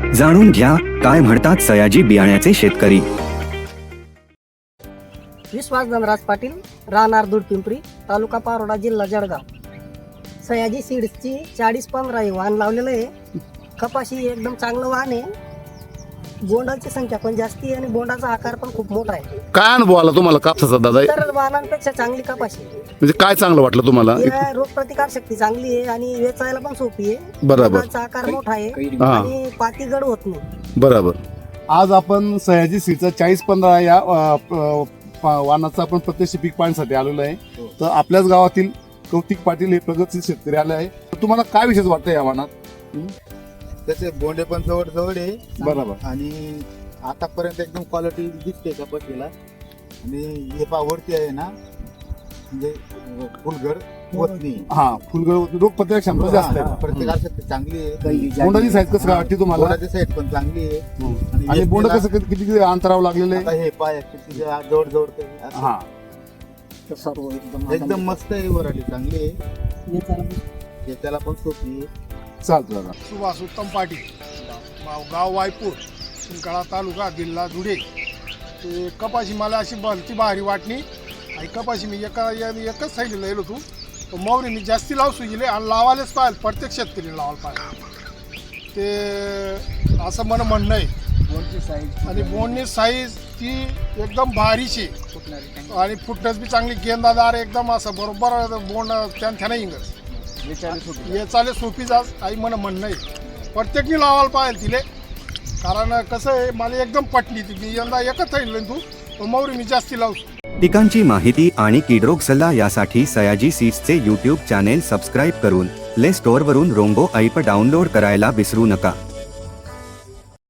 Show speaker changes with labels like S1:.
S1: जाणून घ्या काय म्हणतात सयाजी बियाण्याचे शेतकरी.
S2: विश्वास धनराज पाटील, राहणार दूधपिंपरी, तालुका पारोडा, जिल्हा जळगाव. सयाजी सीड्सची 40-15 हे वाहन लावलेलं आहे. कपाशी एकदम चांगलं वाहन आहे. बोंडाची संख्या पण जास्ती आहे आणि बोंडाचा आकार पण खूप मोठा आहे.
S3: काय अनुभव आला तुम्हाला कापसाचा दादा?
S2: इतर वाहनांपेक्षा चांगली कपाशी आहे.
S3: म्हणजे काय चांगलं वाटलं तुम्हाला?
S2: या रोगप्रतिकार शक्ती चांगली आहे आणि वेचायला पण सोपी आहे.
S3: बरोबर.
S2: बोंडाचा आकार मोठा आहे
S3: हा.
S2: आणि पाती गड होत नाही.
S3: बरोबर.
S4: आज आपण सयाजी सीडचा 40-15 या वाहनाचा आपण प्रत्यक्ष पीक पाहण्यासाठी आलेलो आहे. तर आपल्याच गावातील कौतिक पाटील हे प्रगतशील शेतकरी आले आहे. तर तुम्हाला काय विशेष वाटतं या वाहनात?
S5: त्याचे बोंडे पण जवळ आहे.
S4: बरोबर.
S5: आणि आतापर्यंत एकदम क्वालिटी दिसते कपाशीला. आणि हे वरती आहे ना, म्हणजे फुलगड होत नाही.
S4: हा, फुलगड रोग प्रतिकार क्षमता जास्त आहे.
S5: प्रत्येकासाठी चांगली आहे.
S4: बोंडाची साईज कसं काय वाटते तुम्हाला?
S5: बोंडाची साईड पण चांगली आहे.
S4: आणि बोंड कसं किती अंतरावर लागलेलं
S5: आता
S4: आहे?
S5: हे पाय जवळ
S4: हा,
S2: सर्व
S5: एकदम मस्त आहे. वराठी चांगली आहे.
S2: वेचायला
S5: त्याला पण सोपी आहे.
S4: चालतं दादा.
S6: सुभाष उत्तम पाटील, गाव वायपूर, शिंकाळा तालुका, जिल्हा धुळे. ते कपाशी मला अशी भलती भारी वाटणी. आणि कपाशी मी एकच साईडला येलो तू तो मौरी मी जास्ती लावसू गेले आणि लावायलाच पाहिजे. प्रत्येक शेतकरी लावायला पाहिजे ते असं मला म्हणणं आहे. आणि बोंडची साईज ती एकदम भारीची आणि फुटणस बी चांगली गेंदादार एकदम असं बरोबर बोंड त्यानं इंगस चाले सोपी जास आई मला म्हणणं आहे. प्रत्येकने लावायला पाहिजे तिले. कारण कसं आहे मला एकदम पटली ती. मी यंदा एकच सांगितलं तू मौरी मी जास्ती लावतो.
S1: पिकांची माहिती आणि किडरोग सल्ला यासाठी सयाजी सीड्सचे यूट्यूब चॅनेल सबस्क्राईब करून प्ले स्टोअरवरून रोंगो ऐप डाउनलोड करायला विसरू नका.